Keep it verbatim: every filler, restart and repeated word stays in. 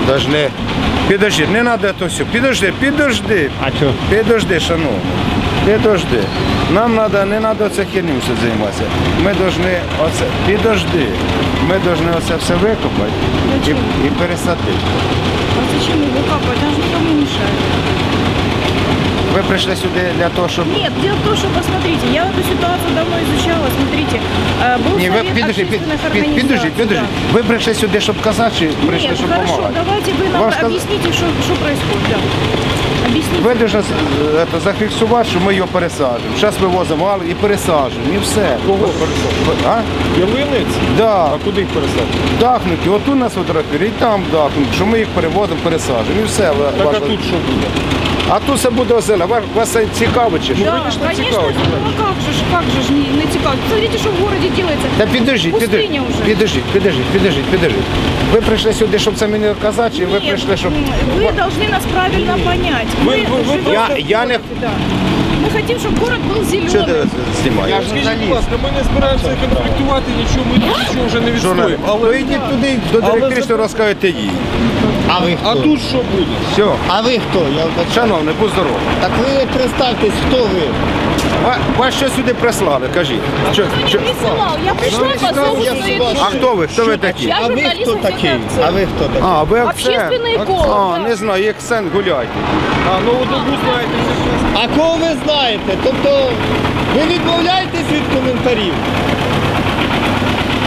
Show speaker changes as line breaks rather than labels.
Должны... Підожди, не треба то все. Підожди, підожди.
А що?
Підожди, шановний. Підожди. Нам надо, не треба оце херню все займатися. Ми повинні оце... Підожди. Ми повинні оце все викопати і, і пересадити.
А зачем его капать? Он же никому не мешает.
Ви прийшли сюди для того, щоб...
Нет, дело в том, что, посмотрите, я эту ситуацию давно изучала, смотрите, э, был
Ні, ви
совет
підожди, під,
общественных
під, підожди,
организаций.
підожди.
Да.
Ви прийшли сюди, щоб казати, чи прийшли,
Нет,
щоб
хорошо,
допомагати?
давайте вы нам
Вам сказ-
объясните, что, что происходит. Да. Объясните.
Ви повинні зафіксувати, що ми його пересаджуємо. Зараз вивозимо вал і пересаджуємо, і все.
Кого пересадити?
А?
Ялинець?
Да.
А куди їх пересадити?
Дахнуті, отут нас фотографірують, і там дахнуть, що ми їх переводимо, пересаджуємо, і все.
Так а тут що буде?
А тут все буде озелене. Вас, вас це цікаво чи що?
Да,
конечно,
конечно,
цікаво.
ну как же, ж, как же ж не, не цікаво. Смотрите, что в городе делается.
Та підождіть,
Пустиня
підождіть,
вже.
підождіть, підождіть, підождіть, підождіть. Ви прийшли сюди, щоб це мені казати, чи ви
Нет,
прийшли, щоб...
вы должны нас правильно понять.
Вы- вы- вы
живем
Я-
в
я не-
городе, да. Мы хотим, чтобы город был
Що ти
зеленый.
знімаєш?
Скажіть, будь ласка, ми не збираємося конфліктувати, нічого, ми нічого вже не
Журналіст.
відстоїмо.
То йдіть туди, до директриси, розкажете їй.
А ви хто?
А тут що буде?
Все.
А ви хто? Я вибачаю.
Шановний, будь здоровий.
Так ви представтесь, хто ви?
Ва- Вас що сюди прислали, кажіть? Що,
Никто
що?
не присылал. Я пришла по
я
собственной
с вами.
А
душе.
хто ви? Хто ви такі?
Я
А ви
журналист
хто
«Успеха
такий?
акцент».
А ви хто такий?
А, ви акцент.
Общественный эколог.
А,
да.
не знаю, як сен гуляйте.
А, ну одну знаєте, це
А кого ви знаєте? Тобто ви відмовляєтесь від коментарів?